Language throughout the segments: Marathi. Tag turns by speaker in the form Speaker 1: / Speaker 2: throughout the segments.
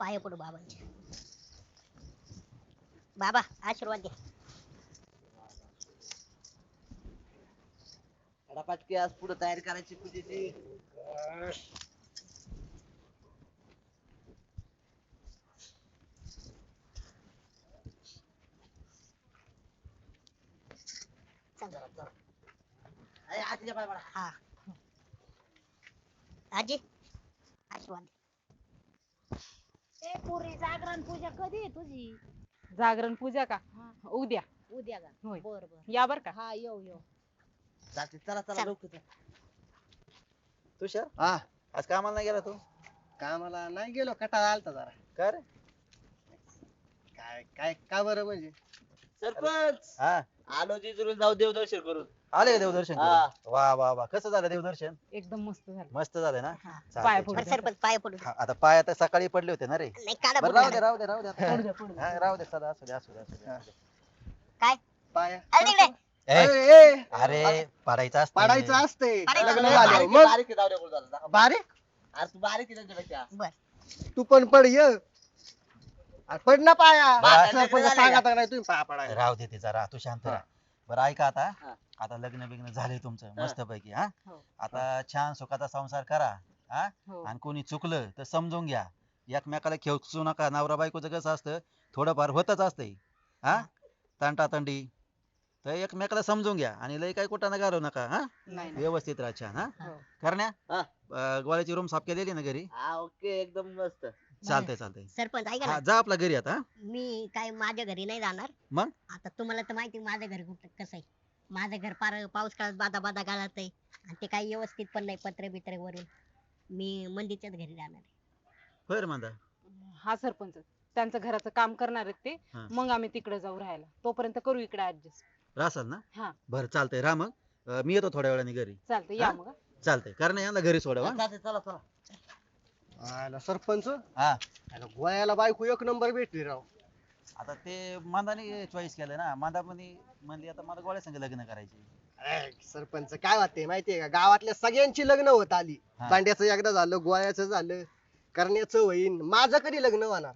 Speaker 1: पाया पडू बाबांच्या. बाबा आशीर्वाद द्या.
Speaker 2: पाटकी आज पुढे तयारी करायची पूजेची. आजीच्या पाय पडा.
Speaker 1: हा आजी आशीर्वाद द्या.
Speaker 3: ए पुरी जागरण पूजा कधी आहे तुझी?
Speaker 4: जागरण पूजा का?
Speaker 3: हा.
Speaker 4: उद्या.
Speaker 3: उद्या का?
Speaker 4: होय.
Speaker 3: बर बर.
Speaker 4: या बर का?
Speaker 3: हा येऊ.
Speaker 2: चालते चला चला
Speaker 1: चला.
Speaker 2: लवकर.
Speaker 5: तुषार
Speaker 6: हा
Speaker 5: आज कामाला नाही गेला तू?
Speaker 6: कामाला नाही गेलो, कटाळा आलता जरा.
Speaker 5: का रे?
Speaker 6: काय काय का बरं म्हणजे?
Speaker 2: सरपंच
Speaker 5: हा
Speaker 2: आलो जिजुरी जाऊ देवदर्शन करून.
Speaker 5: आले का देवदर्शन करून?
Speaker 2: हा.
Speaker 5: वा वा वा कसं झालं देवदर्शन?
Speaker 4: एकदम मस्त झालं.
Speaker 5: मस्त झालं ना?
Speaker 1: हा.
Speaker 5: चालतंय,
Speaker 4: पाया
Speaker 5: छान.
Speaker 4: पडू.
Speaker 1: बरं सरपंच पाया पडू द्या.
Speaker 5: हा, आता पाय आता सकाळी पडले होते ना रे.
Speaker 1: नाही काढा
Speaker 5: बरं
Speaker 1: बुट
Speaker 5: राहू दे
Speaker 1: काढा.
Speaker 5: राहू दे राहू दे आता.
Speaker 4: पडू द्या, पडू द्या.
Speaker 5: हा, राहू दे सदा असू दे असू दे असू दे, असू दे.
Speaker 1: काय
Speaker 6: पाया
Speaker 1: अरे तिकडे.
Speaker 5: ए,
Speaker 6: ए,
Speaker 5: अरे पाडायचं असतं.
Speaker 6: पाडायचं असते
Speaker 1: पाडायचं
Speaker 6: लग्न
Speaker 1: असतं.
Speaker 6: झाल्यावर. मग
Speaker 2: बारीक आहे, जाऊ दे बोल जरा.
Speaker 6: बारीक
Speaker 2: अरे तू बारीक आहे त्यांच्यापेक्षा.
Speaker 1: बर
Speaker 6: तू पण पड ये. अरे पड ना पाया.
Speaker 2: बा-
Speaker 6: सरपंच
Speaker 2: झाले
Speaker 6: सांगा
Speaker 2: का?
Speaker 6: तर नाही तुम्ही पाया पडायला.
Speaker 5: राहू दे तिचा राह तू शांत राहा. बरं ऐका आता
Speaker 2: हा.
Speaker 5: आता लग्न बिग्न झाले तुमचं
Speaker 2: हा.
Speaker 5: मस्त पैकी हा
Speaker 4: हो.
Speaker 5: आता छान सुखाचा संसार करा हा
Speaker 4: हो.
Speaker 5: आणि कोणी चुकलं तर समजून घ्या. एकमेकाला खेचू नका. नवरा बायकोचं कसं असतं थोडंफार होतच असतंय हा तंटातंडी. तर एकमेकाला समजून घ्या आणि लय काय कुठं घालू नका हा
Speaker 4: नाही नाही.
Speaker 5: व्यवस्थित राहा छान हा
Speaker 4: हो.
Speaker 5: करण्या
Speaker 2: हा.
Speaker 5: गोळ्याची रूम साफ केलेली ना घरी?
Speaker 2: हा ओके एकदम मस्त.
Speaker 5: चालतंय चालतंय.
Speaker 1: सरपंच ऐका
Speaker 5: हा
Speaker 1: ना.
Speaker 5: जा आपला घरी आता हा?
Speaker 1: मी काय माझ्या घरी नाही जाणार.
Speaker 5: मग?
Speaker 1: आता तुम्हाला तर माहिती आहे माझं घर कसं आहे. माझं घर पार पाऊस काळात बादा बादा गाळत आहे आणि ते काही व्यवस्थित पण नाही पत्रे बित्रे वरून. मी मंदीच्याच घरी जाणार आहे.
Speaker 5: होय मांदा.
Speaker 4: हा सरपंच त्यांचं घराचं काम करणार आहेत ते.
Speaker 5: हा.
Speaker 4: मग आम्ही तिकडे जाऊ राहायला. तोपर्यंत करू इकडे ऍडजस्ट.
Speaker 5: राहसाल ना?
Speaker 4: हा
Speaker 5: बरं चालतंय राहा मग. मी येतो थोड्या वेळाने घरी.
Speaker 4: चालतंय या
Speaker 5: हा?
Speaker 4: मग.
Speaker 5: चालतंय करण्या यांना घरी सोडवा.
Speaker 2: चालते चला चला.
Speaker 6: आला सरपंच
Speaker 5: हा
Speaker 6: आला गोळ्याला बायको एक नंबर भेटली राव.
Speaker 5: आता ते मांदाने चॉईस केलं ना. मांदा म्हणली आता मला गोळ्या संग लग्न करायचे.
Speaker 6: अरे, सरपंच काय वाटते माहितीये का गावातल्या सगळ्यांची लग्न होत आली.
Speaker 5: हा.
Speaker 6: दांड्याचं एकदा झालं, गोळ्याचं झालं, करण्याचं होईन. माझं कधी लग्न होणार?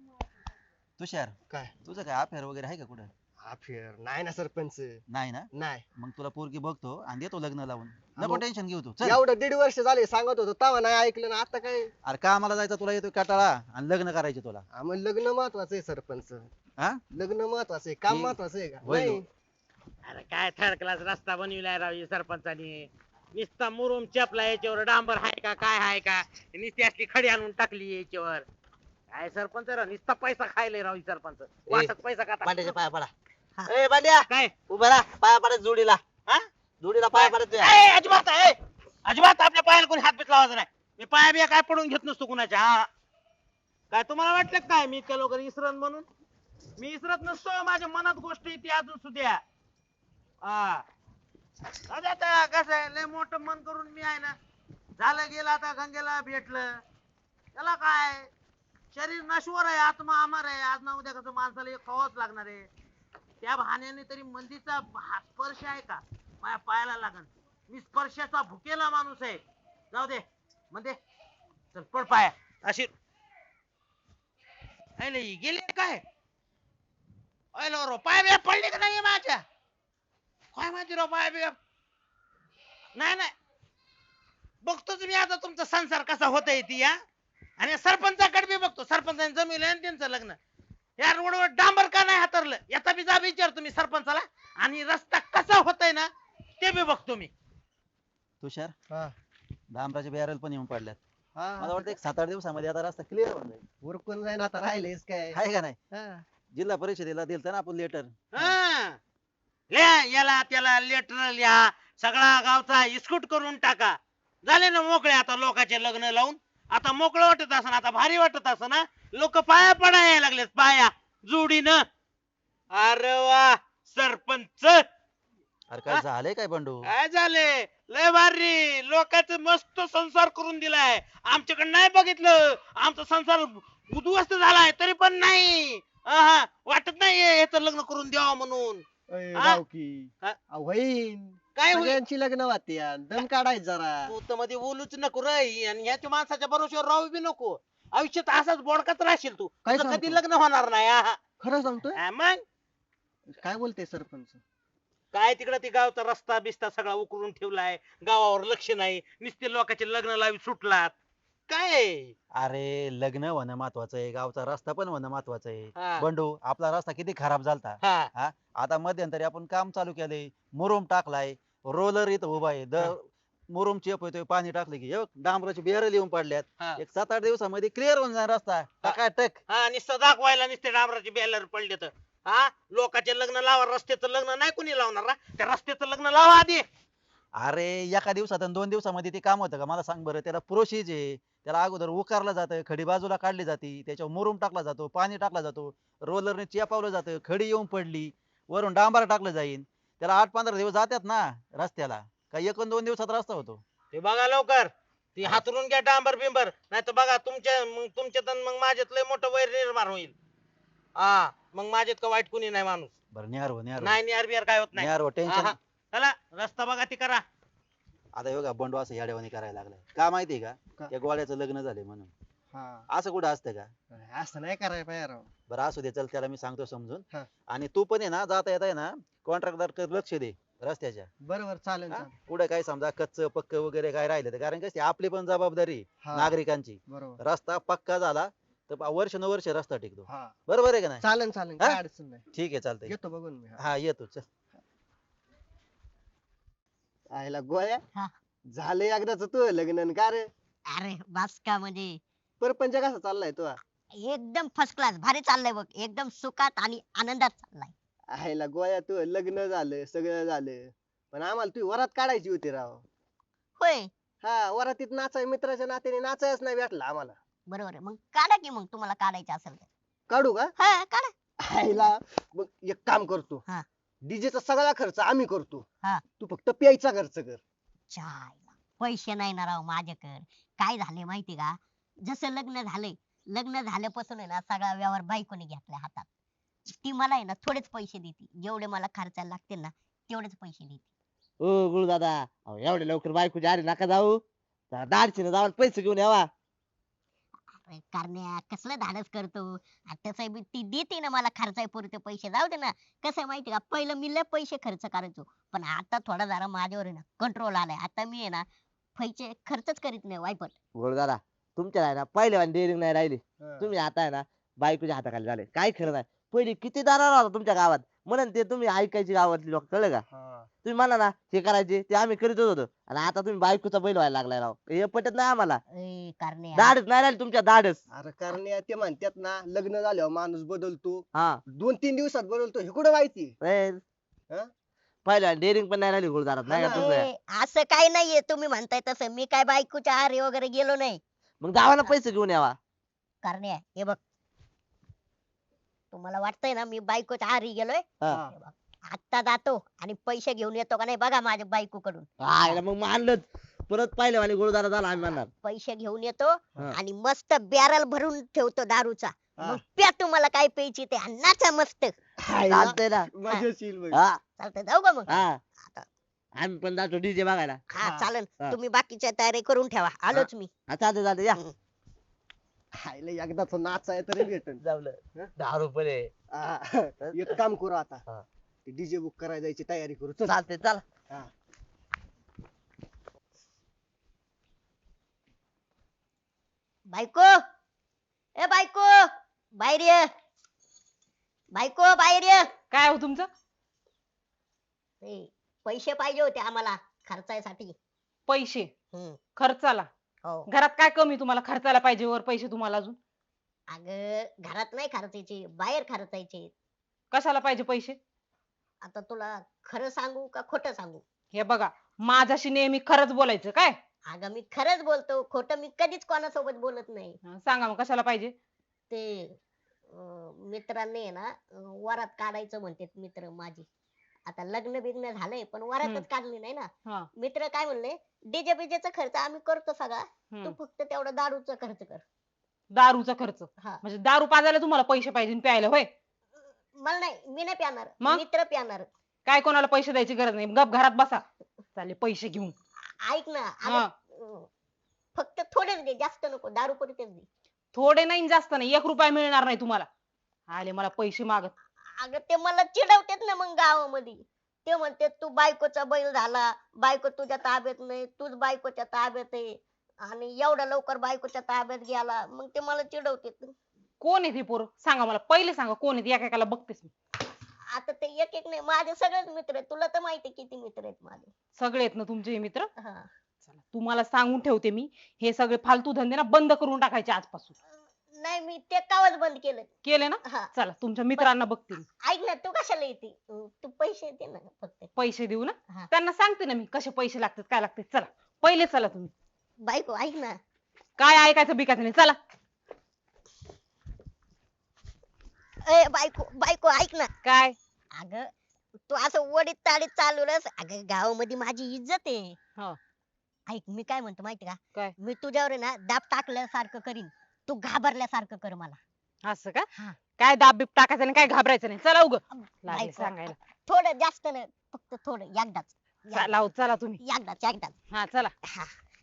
Speaker 5: तुषार
Speaker 6: काय
Speaker 5: तुझं काय अफेअर वगैरे आहे का कुठं?
Speaker 6: हा फेर नाही ना सरपंच.
Speaker 5: नाही ना?
Speaker 6: नाही
Speaker 5: मग तुला पोरगी बघतो आणि देतो लग्न लावून. नको
Speaker 6: मग-
Speaker 5: टेन्शन घेऊ तू चल.
Speaker 6: एवढं 1.5 वर्ष झाले सांगत होतो तेव्हा नाही ऐकलं ना. आता काय
Speaker 5: अरे कामाला जायचं तुला येतो कटाळा आणि लग्न करायचे तुला.
Speaker 6: मग लग्न महत्वाचं आहे सरपंच.
Speaker 5: हा
Speaker 6: लग्न महत्वाचं आहे, काम
Speaker 5: हे-
Speaker 6: महत्वाचं आहे का?
Speaker 5: होय
Speaker 6: नाही.
Speaker 7: अरे काय थर्ड क्लास रस्ता बनविलाय राव या सरपंचानी. नुसता मुरुम चपला याच्यावर डांबर हाय का काय हाय का नुसती असली खडी आणून टाकली याच्यावर. काय सरपंच राव नुसता पैसा खायले राव ही सरपंच. वाटत पैसा
Speaker 2: बांड्याच्या
Speaker 7: का
Speaker 2: पाया पडा.
Speaker 1: हा.
Speaker 2: ए बांड्या
Speaker 7: काय
Speaker 2: उभा राहा. पाया पडा जोडीला.
Speaker 7: हा?
Speaker 2: जोडीला पाया पडा तुझ्या.
Speaker 7: ए, अजिबात ए, अजिबात आपल्या पायाला कोणी हात बीत लावायचा नाही. मी पाया बिया काय पडून घेत नसतो कुणाच्या. हा काय तुम्हाला वाटलं काय मी इतक्या लवकर इसरन म्हणून? मी इसरत नसतो. माझ्या मनात गोष्ट येते अजून सुद्धा. हा आता कसं आहे लय मोठं मन करून मी आहे ना झालं गेलं आता गंगेला भेटलं त्याला काय शरीर नश्वर आहे आत्मा अमर आहे. आज ना उद्या कसं माणसाला एक खावाच लागणार आहे. त्या बहाण्याने तरी मंदीचा स्पर्श आहे का माझ्या पायाला लागण. मी स्पर्शाचा भुकेला माणूस आहे. जाऊ दे म्हणजे चल पड पाया अशी गेले काय रो पाय बिया पडले का नाही माझ्या काय माहिती राव पाय बिया नाही नाही बघतोच मी आता तुमचा संसार कसा होतय ती या आणि सरपंचाकडे बी बघतो. सरपंचाने जमिलं आणि त्यांचं लग्न या रोडवर डांबर का नाही हातरलं याचा बी जाब विचार तुम्ही सरपंचाला आणि रस्ता कसा होतय ना ते बी बघतो मी.
Speaker 5: तुषार
Speaker 6: हा.
Speaker 5: डांबराचे बॅरल पण येऊन पडल्यात.
Speaker 6: हा.
Speaker 5: मला वाटतं 7-8 दिवसामध्ये आता रस्ता क्लिअर होऊन जाईल.
Speaker 6: उरकून जाईन आता राहिलेच काय.
Speaker 5: आहे का नाही?
Speaker 6: हा.
Speaker 5: जिल्हा परिषदेला दिलतं ना आपण लेटर.
Speaker 7: हा. लिहा याला त्याला लेटर लिहा सगळा गावचा इस्कूट करून टाका. झाले ना मोकळे आता लोकांचे लग्न लावून. आता मोकळं वाटत असं आता भारी वाटत असं ना लोक पाया पडायला लागलेत पाया जोडीनं. अरे वा सरपंच
Speaker 5: अरे काय झालंय काय बंडू?
Speaker 7: काय झाले लय भारी लोकांचं मस्त संसार करून दिलाय. आमच्याकडे नाही बघितलं आमचा संसार उद्ध्वस्त झालाय तरी पण नाही वाटत नाही याचं लग्न करून द्यावं म्हणून.
Speaker 6: अय,
Speaker 7: हा?
Speaker 6: गावकी
Speaker 7: हा?
Speaker 6: होईन
Speaker 7: काय होईल
Speaker 6: सगळ्यांची लग्न वाटते दम काढायचं जरा.
Speaker 7: तू तर मध्ये बोलूच नको रे आणि ह्याच्या माणसाच्या भरोश्यावर राहू बी नको. आयुष्यात असाच बोडकाच राहशील तू
Speaker 6: काय
Speaker 7: तुझं कधी
Speaker 6: सांगतो?
Speaker 7: लग्न होणार नाही हा.
Speaker 6: खरं सांगतोय
Speaker 7: हा, मग
Speaker 6: काय बोलते सरपंच
Speaker 7: काय तिकडं ती गावचा रस्ता बिस्ता सगळा उकरून ठेवलाय गावावर लक्ष नाही नुसते लोकांचे लग्न लावी सुटलात काय आहे?
Speaker 5: अरे लग्न होणं महत्वाचं आहे, गावचा रस्ता पण होणं महत्वाचं
Speaker 7: हा.
Speaker 5: आहे. बंडू आपला रस्ता किती खराब झालता.
Speaker 7: हा
Speaker 5: हा आता मध्यंतरी आपण काम चालू केलंय, मुरुम टाकलाय, रोलर इथं उभा आहे,
Speaker 7: हा.
Speaker 5: मुरुम चेप होतोय, पाणी टाकलं की हे बघ, डांबराची बेरं येऊन पडल्यात.
Speaker 7: हा.
Speaker 5: एक 7-8 दिवसामध्ये क्लिअर होऊन जाईल रस्ता टकाटक.
Speaker 7: हा नुसतं दाखवायला नुसते डांबराचे बॅलर पडले तर हा लोकांचे लग्न लावा रस्त्याचं लग्न नाही कोणी लावणार हा? त्या रस्त्याचं लग्न लावा आधी
Speaker 5: अरे एका दिवसात आणि 2 दिवसामध्ये ते काम होतं का मला सांग बरं. त्याला प्रोसिज आहे, त्याला अगोदर उकारलं जातं, खडी बाजूला काढली जाते, त्याच्यावर मुरुम टाकला जातो, पाणी टाकला जातो, रोलरने चेपावलं जातं, खडी येऊन पडली, वरून डांबर टाकलं जाईल, त्याला 8-15 दिवस जातात ना रस्त्याला. काही 1-2 दिवसात रस्ता होतो.
Speaker 7: ते बघा लवकर ती हातरून घ्या डांबर बिंबर नाही तर बघा तुमच्यात आणि मग माझ्यात लय मोठं वैर निर्माण होईल हा मग माझ्यात का वाईट कुणी नाही माणूस
Speaker 5: बरं न्यार हो न्यार
Speaker 7: नाही नियर बियर काय होत नाही
Speaker 5: न्यार हो
Speaker 7: हा,
Speaker 5: टेन्शन.
Speaker 7: हा. चला रस्ता बघा ती करा
Speaker 5: आता बघा बंडू असं याड्यावानी करायला लागलाय का माहितीये
Speaker 6: का?
Speaker 5: का, त्या गोळ्याचं लग्न झाले म्हणून.
Speaker 6: हा
Speaker 5: असं कुठं असतं का.
Speaker 6: असं नाही करायला पाहिजे राव
Speaker 5: बरं असू दे, चल त्याला मी सांगतो समजून.
Speaker 6: हा.
Speaker 5: आणि तू पण आहे ना जाता येता आहे ना कॉन्ट्रॅक्टर लक्ष दे रस्त्याच्या.
Speaker 6: बरोबर चालेल
Speaker 5: हा?
Speaker 6: चालेल
Speaker 5: पुढे काय समजा कच्च पक्क वगैरे काय राहिलं तर, कारण कशी आपली पण जबाबदारी आहे,
Speaker 6: हा.
Speaker 5: नागरिकांची.
Speaker 6: बरोबर
Speaker 5: रस्ता पक्का झाला तर वर्ष रस्ता टिकतो.
Speaker 6: हा
Speaker 5: बरोबर आहे का नाही.
Speaker 6: चालेल चालेल
Speaker 5: हा?
Speaker 6: काय अडचण नाही
Speaker 5: ठीक आहे चालतंय.
Speaker 6: येतो बघून मी
Speaker 5: हा येतो चल.
Speaker 6: आयला गोळ्या
Speaker 1: हा.
Speaker 6: झालं एकदाच तू लग्न न का रे
Speaker 1: अरे बास का म्हणजे
Speaker 6: परपंच कसा चाललाय तो
Speaker 1: एकदम फर्स्ट क्लास भारी चाललंय बघ, एकदम सुखात आणि आनंदात चाललाय.
Speaker 6: आयला गोळ्या तू लग्न झालं सगळं झालं पण आम्हाला तू वरात काढायची होती राव
Speaker 1: होय
Speaker 6: हा वरातीत नाचाय मित्राच्या नात्याने नाचायच नाही भेटला आम्हाला
Speaker 1: बरोबर आहे, मग काढा की मग तुम्हाला काढायचं असेल तर.
Speaker 6: काढू का
Speaker 1: हा काढा.
Speaker 6: आयला मग एक काम करतो
Speaker 1: हा.
Speaker 6: डीजेचा सगळा खर्च आम्ही करतो
Speaker 1: हा.
Speaker 6: तू फक्त प्यायचा खर्च कर
Speaker 1: चायला पैसे नाही ना राव माझ्याकडे. काय झाले माहिती का, जसं लग्न झालंय, लग्न झाल्यापासून आहे ना सगळा व्यवहार बायकोने घेतलाय हातात. ती मला आहे ना थोडेच पैसे देते, जेवढे मला खर्चाला लागतील ना तेवढेच पैसे देते.
Speaker 2: ओ गुरु दादा एवढे लवकर बायकोच्या आरी नका जाऊ दाडशीने जाऊन पैसे घेऊन यावा.
Speaker 1: अरे करण्या कसलं धाडस करतो. आता तसं बी ती देते ना मला खर्चाय पुरते पैसे, जाऊ दे ना. कसं आहे माहिती का, पहिलं मी लय पैसे खर्च करायचो, पण आता थोडा जरा माझ्यावर आहे ना कंट्रोल आलाय. आता मी आहे ना पैसे खर्चच करीत नाही वायपट.
Speaker 2: गुरु दादा तुमच्या आहे ना पहिले डेअरिंग नाही राहिली
Speaker 6: हा.
Speaker 2: तुम्ही आता आहे ना बायकोच्या हाताखाली झाले काय खरं नाही. पहिले किती दारार होता तुमच्या गावात म्हणून ते तुम्ही ऐकायची गावातली लोक कळलं का.
Speaker 6: हा.
Speaker 2: तुम्ही म्हणा ना हे करायचे ते आम्ही करीतच होतो आणि आता तुम्ही बायकोचा बैल व्हायला लागलाय राव हे पटत नाही आम्हाला.
Speaker 1: ए करण्या
Speaker 2: धाडच नाही राहिले तुमच्या धाडच.
Speaker 6: अरे कारण ते म्हणतात ना लग्न झाल्यावर माणूस बदलतो
Speaker 2: हा
Speaker 6: 2-3 दिवसात बदलतो हे कुठं माहिती हा?
Speaker 2: पहिल्या डेअरिंग पण नाही राहिली गुरुदारात नाही का
Speaker 6: हा ना.
Speaker 2: तुझं.
Speaker 1: ए, असं काही नाहीये तुम्ही म्हणताय तसं. मी काय बायकोच्या आहारी वगैरे गेलो नाही.
Speaker 2: मग गावाला पैसे घेऊन यावा.
Speaker 1: करण्या हे बघ, तुम्हाला वाटतंय ना मी बायकोच्या आहारी गेलोय.
Speaker 2: हा.
Speaker 1: हे बघ, आत्ता जातो आणि पैसे घेऊन येतो का नाही बघा माझ्या बायको कडून.
Speaker 2: आयला मग मानलंच परत पाहिलं आणि गुरुदारा झाला आम्ही म्हणणार.
Speaker 1: पैसे घेऊन येतो
Speaker 2: हा.
Speaker 1: आणि मस्त बॅरल भरून ठेवतो दारूचा.
Speaker 6: हा.
Speaker 1: मग प्या तुम्हाला काय प्यायची ते आणि नाचा मस्त.
Speaker 6: हायला,
Speaker 2: चालतंय ना.
Speaker 6: मजेशीर बघ.
Speaker 2: हा
Speaker 1: चालतंय, जाऊ का मग.
Speaker 2: हा आम्ही पण जातो डीजे बघायला.
Speaker 1: हा
Speaker 6: हा.
Speaker 1: चालेल,
Speaker 2: हा.
Speaker 1: तुम्ही बाकीच्या तयारी करून ठेवा, आलोच मी.
Speaker 2: हा चालते चालते या.
Speaker 6: हायला एकदाच नाचाय तरी भेटन
Speaker 2: जमलं 10 रुपये.
Speaker 6: हा. एक काम करू आता
Speaker 2: हा.
Speaker 6: ते डीजे बुक करायला जायची तयारी करू चल
Speaker 2: चालते चला.
Speaker 6: हा.
Speaker 1: बायको, ए बायको, बाहेर ये. बायको बाहेर ये.
Speaker 4: काय हो तुमचं.
Speaker 1: ए, पैसे पाहिजे होते आम्हाला खर्चायसाठी.
Speaker 4: पैसे
Speaker 1: हम्म,
Speaker 4: खर्चाला.
Speaker 1: हो.
Speaker 4: घरात काय कमी तुम्हाला खर्चाला पाहिजे वर पैसे तुम्हाला अजून.
Speaker 1: अगं घरात नाही खर्चायचे, बाहेर खर्चायचे.
Speaker 4: कशाला पाहिजे पैसे.
Speaker 1: आता तुला खरं सांगू का खोटं सांगू.
Speaker 4: हे बघा माझ्याशी नेहमी खरंच बोलायचं काय.
Speaker 1: अगं मी खरंच बोलतो, खोटं मी कधीच कोणासोबत बोलत नाही.
Speaker 4: सांगा मग कशाला पाहिजे.
Speaker 1: ते मित्रांनी आहे ना वरात काढायचं म्हणते मित्र माझे. आता लग्न बिग्न झालंय पण वरातच काढली नाही ना.
Speaker 4: हा.
Speaker 1: मित्र काय म्हणले, डीजे बीजेचा खर्च आम्ही करतो सगळा, तू
Speaker 4: हम्म.
Speaker 1: फक्त तेवढा दारूचा खर्च कर.
Speaker 4: दारूचा खर्च
Speaker 1: हा.
Speaker 4: म्हणजे दारू पाजायला तुम्हाला पैसे पाहिजे आणि प्यायला होय.
Speaker 1: मला नाही, मी नाही प्याणार,
Speaker 4: मग?
Speaker 1: मित्र प्याणार.
Speaker 4: काय कोणाला पैसे द्यायची गरज नाही गप घरात बसा. चालेल पैसे घेऊन.
Speaker 1: ऐक ना,
Speaker 4: हा.
Speaker 1: फक्त थोडेच दे, जास्त नको, दारू पुरतेच दे.
Speaker 4: थोडे नाही जास्त नाही, 1 रुपया मिळणार नाही तुम्हाला. आले मला पैसे मागत.
Speaker 1: अगं ते मला चिडवतेत ना मग गावामध्ये. ते म्हणते तू बायकोचा बैल झाला, बायको तुझ्या ताब्यात नाही, तूच बायकोच्या ताब्यात आहे आणि एवढ्या लवकर बायकोच्या ताब्यात गेला, मग ते मला चिडवतेत.
Speaker 4: कोण आहे ती पोरं सांगा मला, पहिले सांगा कोण आहे ती, एकेकाला बघतेस मी.
Speaker 1: आता ते एक एक नाही, माझे सगळेच मित्र आहेत, तुला तर माहिती किती मित्र आहेत माझे.
Speaker 4: सगळे आहेत ना तुमचे हे मित्र.
Speaker 1: हा.
Speaker 4: चला तुम्हाला सांगून ठेवते मी, हे सगळे फालतू धंदे ना बंद करून टाकायचे आजपासून.
Speaker 1: नाही मी ते कावच बंद केलं.
Speaker 4: केले ना?
Speaker 1: हा.
Speaker 4: चला तुमच्या मित्रांना बघते मी.
Speaker 1: ऐक ना, तू कशाला येते? तू पैसे दे ना फक्त.
Speaker 4: पैसे देऊ ना?
Speaker 1: हा.
Speaker 4: त्यांना सांगते ना मी कसे पैसे लागतात काय लागतात. चला पहिले चला तुम्ही.
Speaker 1: बायको ऐक ना.
Speaker 4: काय ऐकायचं बिकायचं नाही, चला.
Speaker 1: ए बायको बायको ऐक ना.
Speaker 4: काय?
Speaker 1: अगं तू असं वडीत ताडीत चालवलंस, अगं गावामध्ये माझी इज्जत आहे.
Speaker 4: हा.
Speaker 1: ऐक मी काय म्हणतो माहिती का?
Speaker 4: काय?
Speaker 1: मी तुझ्यावर आहे ना दाब टाकल्यासारखं करीन, तू घाबरल्यासारखं कर मला.
Speaker 4: असं का?
Speaker 1: हा.
Speaker 4: काय दाब बीब टाकायचं नाही, काय घाबरायचं नाही. चला उग लागले
Speaker 1: बायको,
Speaker 4: सांगायला.
Speaker 1: थोडं जास्त नाही, फक्त थोडं एकदाच.
Speaker 4: चला हो, चला तुम्ही.
Speaker 1: एकदाच.
Speaker 4: हा चला.
Speaker 1: हा.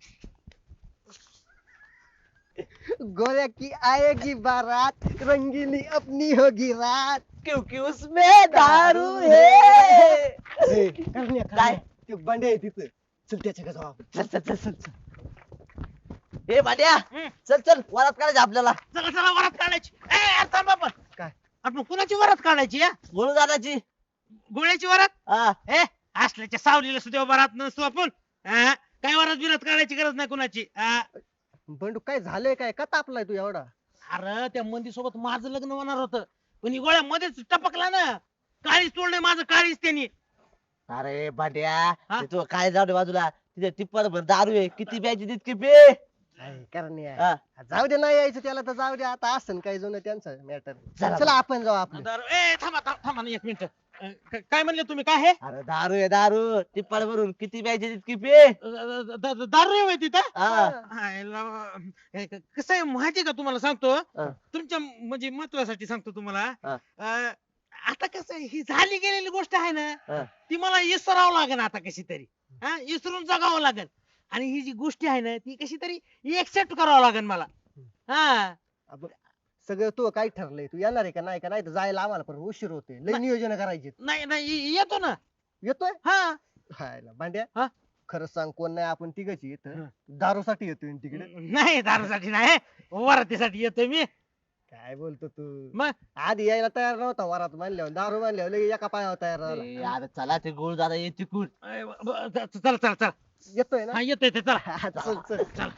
Speaker 6: गोया की आएगी बारात, रंगीली अपनी होगी रात.
Speaker 2: क्योंकि उसमें दारू है.
Speaker 6: काय ते बंडे आहे तिथं, चल त्याच्या जाऊ आपण.
Speaker 2: चल. ए भांड्या,
Speaker 7: हम्म.
Speaker 2: चल वरात काढायची आपल्याला.
Speaker 7: चला वरात काढायची. ए यार थांब आपण.
Speaker 6: काय?
Speaker 7: आपण कुणाची वरात काढायची या?
Speaker 2: बोलू दादाची.
Speaker 7: गोळ्याची वरात?
Speaker 2: हा.
Speaker 7: ए असल्याच्या सावलीला सुद्धा वरात नसतो आपण. हा? काय वरात बिरात काढायची गरज नाही कुणाची. हा?
Speaker 6: बंडू काय झालंय, काय का तापलाय तू एवढा?
Speaker 7: अरे त्या मंदी सोबत माझं लग्न होणार होतं, पण ही गोळ्या मध्येच टपकला ना. काळीच तोडलंय माझं, काळीच त्यांनी.
Speaker 2: अरे भांड्या,
Speaker 7: हा?
Speaker 2: ते तू काय जाऊ दे बाजूला. तिथे टिप्पर भर दारू आहे, किती प्यायची तितकी पे.
Speaker 6: कारण
Speaker 2: हा.
Speaker 6: जाऊ दे, नाही यायचं त्याला तर जाऊ दे. आता असं काही जुनं त्यांचं मॅटर.
Speaker 2: चला.
Speaker 6: चला आपण जाऊ आपलं.
Speaker 7: ए थांबा ना 1 मिनिट. काय म्हणले तुम्ही, काय हे?
Speaker 2: अरे दारू आहे दारू, टिप्पर भरून किती प्यायची तितकी पे.
Speaker 7: दारू आहे माहिती का?
Speaker 2: हा.
Speaker 7: कसं आहे माहिती का, तुम्हाला सांगतो.
Speaker 2: हा.
Speaker 7: तुमच्या म्हणजे महत्वासाठी सांगतो तुम्हाला.
Speaker 2: हा.
Speaker 7: आता कसं आहे, ही झाली गेलेली गोष्ट आहे
Speaker 2: हा.
Speaker 7: ना, ती मला विसरावं लागेल आता कशी तरी. विसरून जगावं लागेल. आणि ही जी गोष्टी आहे ना, ती कशी तरी एक्सेप्ट करावं लागेल मला. हा.
Speaker 6: सगळं तू काय ठरलंय, तू येणार आहे का नाही तर जायला आम्हाला पण उशीर होते. लय नियोजन करायचे.
Speaker 7: नाही येतो ना.
Speaker 6: येतोय
Speaker 7: हा.
Speaker 6: हायला भांड्या,
Speaker 7: हा?
Speaker 6: खरं सांग, कोण नाही, आपण तिघच येत
Speaker 7: हा.
Speaker 6: दारूसाठी येतोय ना तिकडे.
Speaker 7: नाही दारूसाठी नाही, वरातीसाठी येतोय मी.
Speaker 6: काय बोलतो तू?
Speaker 7: मग
Speaker 6: आधी यायला तयार नव्हता, वरात मानल्यावर दारू मानल्यावर लगे एका पायावर तयार झाला.
Speaker 2: ए, अरे चला ते गोळ दादा ये तिकून.
Speaker 7: चला
Speaker 6: येतोय ना?
Speaker 7: हा येतोय ते, चला.
Speaker 6: हा, चल.
Speaker 7: चला.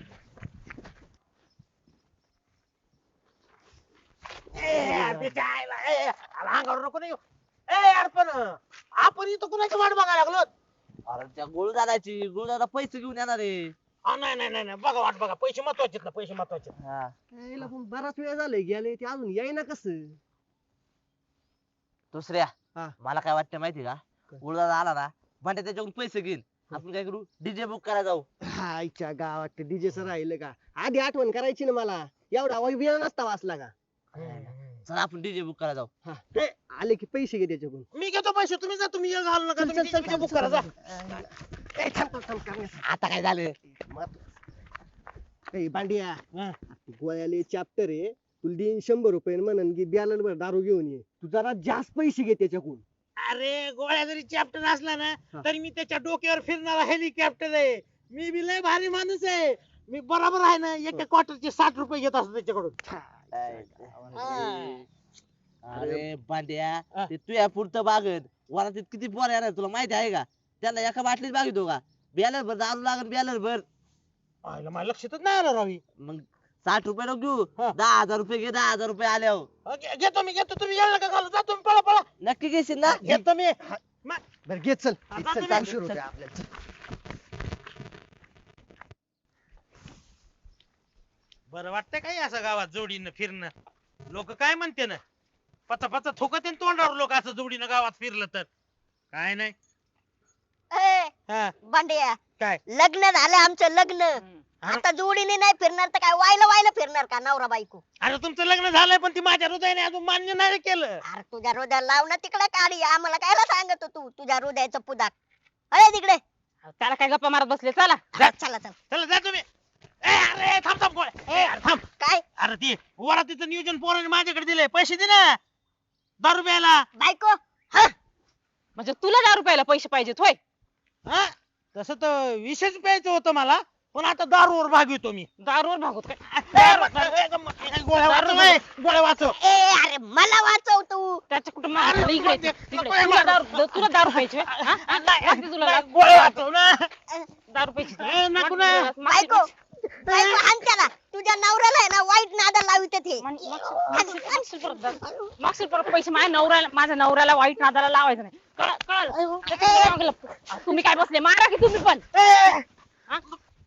Speaker 7: त्याच्या आईला, अरे अंगावर नको नाही येऊ. यार पण आपण इथं कुणाची वाट बघायला लागलो?
Speaker 2: अरे त्या गोळ दादाची, गोळ दादा पैसे घेऊन येणार आहे.
Speaker 7: नाही बघा वाट बघा, पैसे महत्वाचे ना, पैसे महत्वाचे.
Speaker 2: हा.
Speaker 6: यायला पण बराच वेळ झालाय गेले, ते अजून येईना कसं?
Speaker 2: दुसऱ्या,
Speaker 6: हा.
Speaker 2: मला काय वाटतं माहिती का, गोळ दादा आला ना, भांड्या त्याच्याकडून पैसे घेईल. आपण काय करू, डीजे बुक करायला जाऊ.
Speaker 6: आईच्या गावात डीजेच राहिलं का? आधी आठवण करायची ना मला, एवढा वेळ नसता वाचला का?
Speaker 2: चला आपण डीजे बुक करायला जाऊ.
Speaker 6: हा. ते आले की पैसे घे त्याच्याकडून.
Speaker 7: मी घेतो पैसे, तुम्ही जा, तुम्ही येळ घालू नका, तुम्ही तिचे बुक करा जा.
Speaker 6: ए, थांब, करण्यासाठी.
Speaker 2: आता काय झालं?
Speaker 6: ए, बांडिया,
Speaker 7: हा.
Speaker 6: गोळ्याले चॅप्टर आहे, तुला देईन 100 रुपये म्हणन की बॅलर भर दारू घेऊन ये. तू जरा जास्त पैसे घे त्याच्याकडून.
Speaker 7: अरे गोळ्या जरी चॅप्टर असला ना,
Speaker 6: हा.
Speaker 7: तरी मी त्याच्या डोक्यावर फिरणारा हेलिकॉप्टर आहे. मी बी लय भारी माणूस आहे. मी बरोबर आहे ना, एका क्वार्टरचे 60 रुपये घेत असतो त्याच्याकडून.
Speaker 2: अरे बांड्या,
Speaker 7: हा.
Speaker 2: ते तुया पुरतं बागत वरातीत किती पोर येणार तुला माहिती आहे का? त्याला एका बाटलीत बागितो का? बॅलर भर दारू लागल, बॅलर भर.
Speaker 7: आयला मला लक्षातच नाही आलं रावी.
Speaker 2: मग 60 रुपये नको घेऊ,
Speaker 7: हा.
Speaker 2: 10,000 रुपये घे. 10,000 रुपये आल्यावर
Speaker 7: घेतो मी, तुम्ही येळ नका घालू, जा तुम्ही, पळा
Speaker 2: नक्की घेशील ना?
Speaker 7: घेतो मी.
Speaker 6: बरं घे, चल.
Speaker 7: हा,
Speaker 6: चल,
Speaker 7: जा तुम्ही.
Speaker 6: 400 रुपये आपल्याला.
Speaker 7: बरं वाटतंय काय असं गावात जोडीनं फिरणं? लोक काय म्हणते ना, पचा थोकते तोंडावर लोक असं जोडीनं गावात फिरलं तर. काय नाही.
Speaker 1: ए
Speaker 7: हा,
Speaker 1: बांड्या,
Speaker 7: काय?
Speaker 1: लग्न झालं आमचं लग्न. आता जोडीने नाही फिरणार तर काय वायला फिरणार का नवरा बायको?
Speaker 7: अरे तुमचं लग्न झालंय, पण ती माझ्या हृदयाने अजून मान्य नाही केलं.
Speaker 1: अरे तुझ्या हृदयाला लाव ना तिकडे काढी, आम्हाला कायला सांगत तू तुझ्या हृदयाचं पुदाक? अरे तिकडे
Speaker 4: त्याला काय गप्पा मारत बसले, चला.
Speaker 1: चला
Speaker 7: चला जा तुम्ही. अरे थांब गोळ्या. अरे थांब.
Speaker 1: काय?
Speaker 7: ती वरातीचं नियोजन पोराने माझ्याकडे दिलंय पैसे दे ना दारू प्यायला.
Speaker 1: बायको
Speaker 4: म्हणजे तुला 10 रुपयाला पैसे पाहिजेत होय?
Speaker 7: हा तसं तर विशेष प्यायचं होतं मला पण आता दारूवर भागवितो मी.
Speaker 4: दारूवर भागवत काय?
Speaker 7: गोळ्या वाचव ए, गोळ्या वाचव.
Speaker 1: ए अरे मला वाचव तू.
Speaker 4: त्याच्या कुठं मागं इकडे ये, इकडे. तुला दारू पाहिजे होय? हा? हा? लागते तुला दारू?
Speaker 7: गोळ्या वाचव ना.
Speaker 4: दारू पाहिजे
Speaker 7: ए, नको ना.
Speaker 1: बायको बायको हाण त्याला. तुझ्या नवऱ्याला आहे ना वाईट नादा लावित ते.
Speaker 4: मागशील परत पैसे माझ्या नवऱ्याला वाईट नादाला लावायचं नाही. कळलं? त्याच्या मागं लपतो. तुम्ही काय बसले मारा की तुम्ही पण. हा?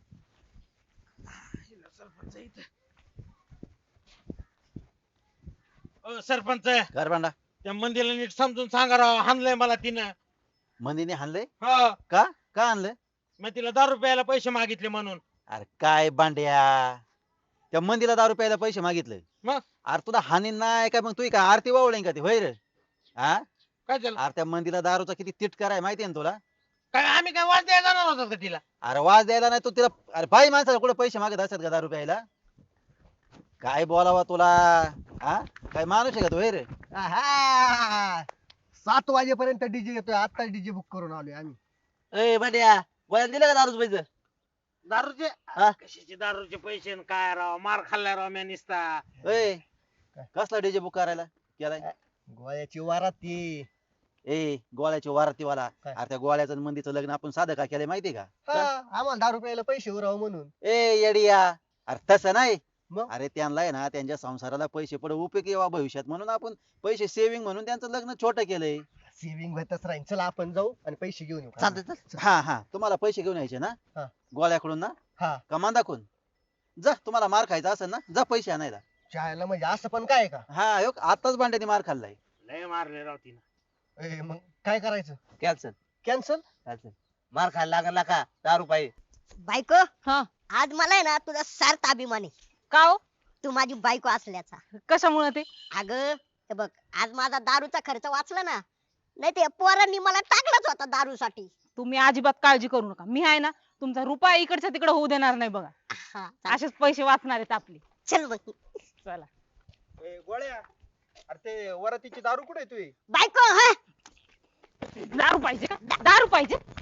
Speaker 7: सरपंच
Speaker 5: कर भांडा
Speaker 7: त्या मंदिरला नीट समजून सांगा राव हाणलंय मला तिनं.
Speaker 5: मंदीने हाणलंय
Speaker 7: हो
Speaker 5: का का आणलं?
Speaker 7: मी तिला दारू प्यायला पैसे मागितले म्हणून.
Speaker 5: अरे काय बांड्या त्या मंदीला दारू प्यायला पैसे मागितले
Speaker 7: मग
Speaker 5: अरे तुला हानी नाही काय मग तू काय आरती वावळे का ते होय रे? हा
Speaker 7: काय झालं
Speaker 5: अरे त्या मंदीला दारूचा किती तिटकार आहे माहितीये ना तुला?
Speaker 7: काय आम्ही काय वाज द्यायला जाणार होतो का तिला?
Speaker 5: अरे वाज द्यायला नाही तू तिला अरे बाई माणसाला कुठे पैसे मागत असतात का दारू प्यायला? काय बोलावा तुला हा काय माणूस आहे का तू होय रे?
Speaker 6: आहा. 7 वाजेपर्यंत डीजे येतोय आता डीजे बुक करून आलोय आम्ही.
Speaker 2: ए भांड्या गोळ्या दिलं का दारूच पैसे?
Speaker 7: दारूचे
Speaker 2: हा?
Speaker 7: कशाचे दारूचे पैसे न काय राव मार खाल्ला राव म्या निसता.
Speaker 5: ए कसला डीजे बुक करायला केलाय?
Speaker 6: गोळ्याची वारात ती.
Speaker 5: ए गोळ्याची वारतीवाला
Speaker 6: काय?
Speaker 5: अरे त्या गोळ्याचं आणि मंदीचं लग्न आपण साधं का केलंय माहितीये का?
Speaker 6: हा, आम्हाला दारू प्यायला पैसे उराव म्हणून.
Speaker 5: ए येडिया अरे तसं नाही
Speaker 6: मग?
Speaker 5: अरे त्यांना आहे ना त्यांच्या संसाराला पैसे पुढे उपयोगी यावा भविष्यात म्हणून आपण पैसे सेव्हिंग म्हणून त्यांचं लग्न छोटं केलंय.
Speaker 6: सेव्हिंग होतच राहील. चला आपण जाऊ आणि पैसे घेऊन येऊ.
Speaker 2: चालतंय चल.
Speaker 5: हा हा तुम्हाला पैसे घेऊन यायचे ना
Speaker 6: हा.
Speaker 5: गोळ्याकडून ना
Speaker 6: हा.
Speaker 5: का मांदाकडून? जा तुम्हाला मार खायचा असेल ना जा पैसे आणायला.
Speaker 6: चायला म्हणजे असं पण काय का?
Speaker 5: हा ह्यो आताच भांड्याने मार खाल्लाय.
Speaker 7: लय मारले राव तिनं.
Speaker 6: ए, मग काय करायचं?
Speaker 2: Cancel
Speaker 6: cancel?
Speaker 2: कॅन्सल मार खायला लागला का दारू पाहिजे?
Speaker 1: बायको
Speaker 4: हा
Speaker 1: आज मला आहे ना तुझा सार्थ अभिमान आहे.
Speaker 4: का हो?
Speaker 1: तू माझी बायको असल्याचा.
Speaker 4: कशामुळे ते?
Speaker 1: अगं हे बघ आज माझा दारूचा खर्च वाचला ना. नाही ते पोरांनी मला टाकलाच होता दारूसाठी.
Speaker 4: तुम्ही अजिबात काळजी करू नका. मी आहे ना तुमचा रुपया इकडच्या तिकडे होऊ देणार नाही बघा.
Speaker 1: हा, चाल.
Speaker 4: असेच पैसे वाचणार आहेत आपले.
Speaker 1: चल मग.
Speaker 4: चला.
Speaker 6: गोळ्या अरे ते वरातीची दारू कुठे तुझी?
Speaker 1: बायको हा
Speaker 4: दारू पाहिजे का? दारू पाहिजे?